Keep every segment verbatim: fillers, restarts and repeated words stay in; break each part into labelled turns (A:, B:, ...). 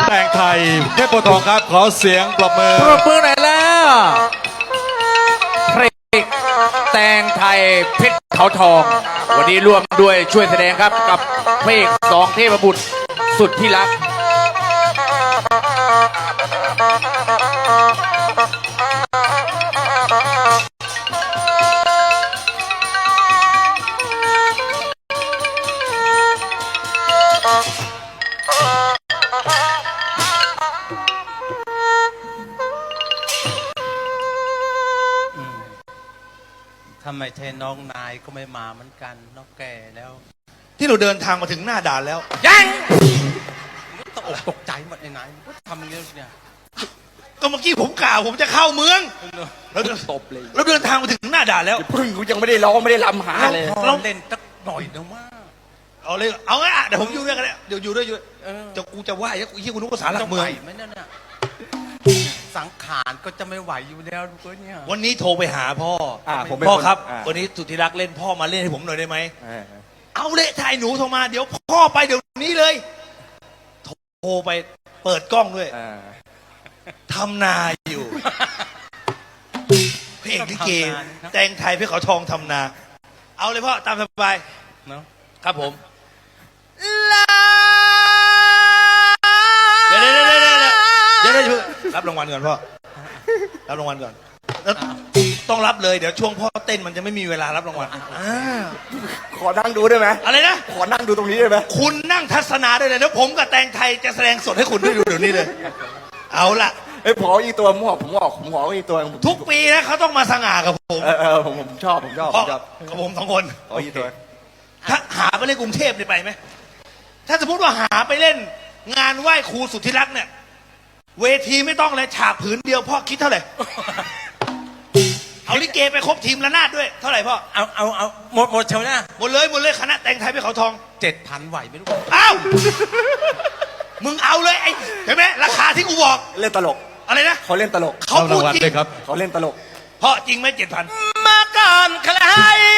A: แต่งไทยเทพโพธิ์ทองครับขอเสียงปรบมือ
B: ปรบมือหน่อยแล้วเพลงแต่งไทยเพชรเขาทองวันนี้ร่วมด้วยช่วยแสดงครับกับเพลงสองเทพบุตรสุดที่รัก
C: ทำไมแทนน้องนายก็ไม่มาเหมือนกันน้องแก่แล้ว
D: ที่เราเดินทางมาถึงหน้าด่านแล้ว
C: ยังตกอกตกใจหมดในนายทำอย่างนี้เนี่ย
D: ก็เมื่อกี้ผมกล่าวผมจะเข้าเมืองเราตบเลยเราเดินทางมาถึงหน้าด่านแล้ว
B: พึ่งกูยังไม่ได้ร้องไม่ได้รำหาเลย
C: เราเล่นสักหน่อยนะว่า
D: เอาเลยเอาไงอ่ะเดี๋ยวผมอยู่ด้วยกันเลยเดี๋ยวอยู่ด้วยอยู่จะกูจะไหวกูยี่กูนึกว่าสารหลักเมือง
C: ไม่นั่นน่ะสังขารก็จะไม่ไหวอยู่แล้วลูกเนี่ย
D: วันนี้โทรไปหาพ่อพ่อครับวันนี้สุธิรักเล่นพ่อมาเล่นให้ผมหน่อยได้ไหมเอาเลยถ่ายหนูโทรมาเดี๋ยวพ่อไปเดี๋ยวนี้เลยโทรไปเปิดกล้องด้วยทำนาอยู่เพลงลิเกแต่งไทยเพื่อเขาทองทำนาเอาเลยพ่อตามสบายเนาะครับผมเดี๋ยวเดี๋ยวเดี๋ยวเดี๋ยวเดี๋ยวเดี๋ยวรับรางวัลก่อนพ่อรับรางวัลก่อนต้องรับเลยเดี๋ยวช่วงพ่อเต้นมันจะไม่มีเวลารับรางวัล
B: ขอนั่งดูได้ไหม
D: อะไรนะ
B: ขอนั่งดูตรงนี้ได้ไหม
D: คุณนั่งทัศนาได้เลยแล้วผมกับแต่งไทยจะแสดงสดให้คุณได้ดูเดี๋ยวนี้เลยเอาละ
B: ไอ้ผออีตัวผมบอกผมบอกผมบอกอีตัว
D: ทุกปีนะเขาต้องมาสง่ากับผม
B: เออเออผมผมชอบผมชอบผมชอบ
D: กับผมสองคน
B: อ๋ออีตัว
D: ถ้าหาไปเล่นกรุงเทพได้ไปไหมถ้าสมมติว่าหาไปเล่นงานไหว้ครูสุทธิรักเนี่ยเวทีไม่ต้องเลยฉากผืนเดียวพ่อคิดเท่าไหร่เอาลิเกไปครบทีมละนาดด้วยเท่าไหร่พ่อ
C: เอาเอาเอาหมดหมดเชียวนะ
D: หมดเลยหมดเลยคณะแต่งไทยไปเขาทอง
C: เจ็ดพันไหวไหมลูก
D: เอ้ามึงเอาเลยไอ้เห็นไหมราคาที่กูบอก
B: เล่นตลก
D: อะไรนะ
B: เขาเล่นตลก
D: เขาพูดจริง
B: เขาเล่นตลก
D: เพราะจริงไหมเจ็ดพัน
C: มาก่อนใคร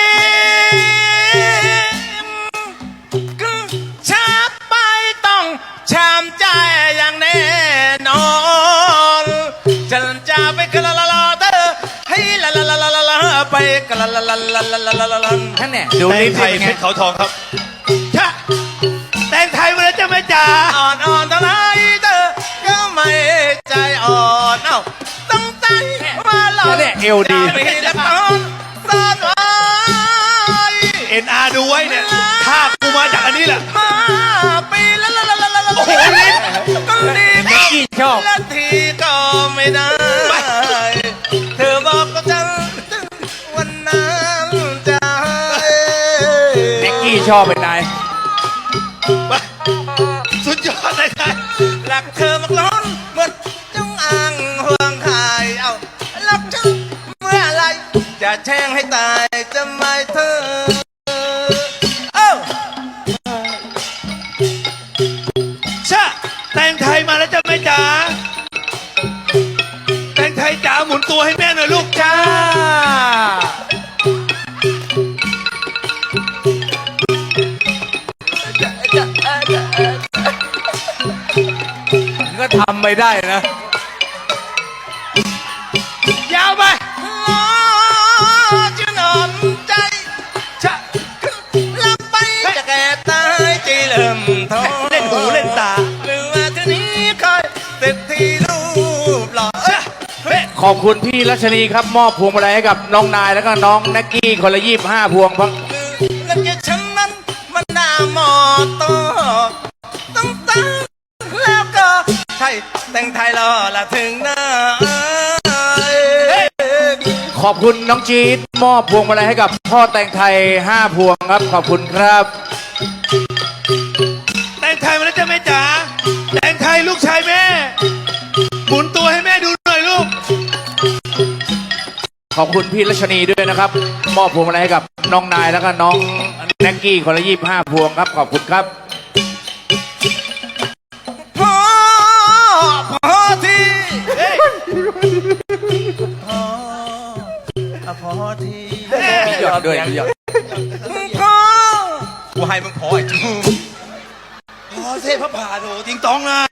C: ช้าไปต้องช้ำใจอย่างแน่นอนฉันจะไปกะละละละเธอให้ละละละละละไปกะละละละละละละละละ
D: ท่านเนี่ยดูนี่ไทยเพชรเขาทองครับชะแต่งไทยมาแล้วจะไม่จ่า
C: อ่อนอ่อนเท่าไรเธอก็ไม่ใจอ่อนเอ้าต้องใจว่าเรา
B: เนี่ยเอวดี
C: ไม่ได้ตอนซ่อนไว้
D: เอ็นอาร์ดูไว้เนี่ยถ้ากูมาจากอันนี้แหละ
C: มาปีละละละละละละ
D: โอ้โหนี่
C: ก็รีบ
B: นิกกี้ชอบ
C: ละทีก็ไม่ได้เธอบอกกับฉันวันนั้นจะ
B: นิกกี้ชอบเป็นไง
D: สุดยอดเลยครับ
C: รักเธอมากล้นเหมือนจงอางห่วงหายเอารักฉันเมื่อไรจะแช่งให้ตายจะไม่เธอเอ้า
D: ชะแต่งไทยมาแล้วจะไม่จ๋าแต่งไทยจ๋าหมุนตัวให้แม่หน่อยลูกจ้า
B: ก็ทำไม่ได้นะ
D: ยาวไป
C: จะนอนใจจะลับไปจะแก่ตายใจเริ่มท้อ
D: เล่นหูเล่นตา
C: หรือว่าทีนี้คอยเสร็จที่รูปหล่อ
B: ขอบคุณพี่รัชนีครับมอบพวงมาลัยให้กับน้องนายแล้วก็น้องนักกี้คนละยี่สิบห้าพวงพัง
C: แล้วจะฉันนั้นมันน่ามอตอต้องตั้งแล้วก็ใช่แต่งไทยรอละถึงหน้า
B: ขอบคุณน้องจี๊ดมอบพวงมาลัยให้กับพ่อแต่งไทยห้าพวงครับขอบคุณครับ
D: แต่งไทยมาแล้วจะแม่จ๋าแต่งไทยลูกชายแม่หมุนตัวให้แม่ดูหน่อยลูก
B: ขอบคุณพี่รัชนีด้วยนะครับมอบพวงมาลัยให้กับน้องนายแล้วก็น้องแน็กกี้คนละยี่สิบห้าพวงครับขอบคุณครับ
C: พอพอทีพอที
B: พี่หยอดด้วยพี่หยอด
C: พอกูให้มึงพอไอ้จู
D: พอเทพพระผ่าโถจริงต้องนะ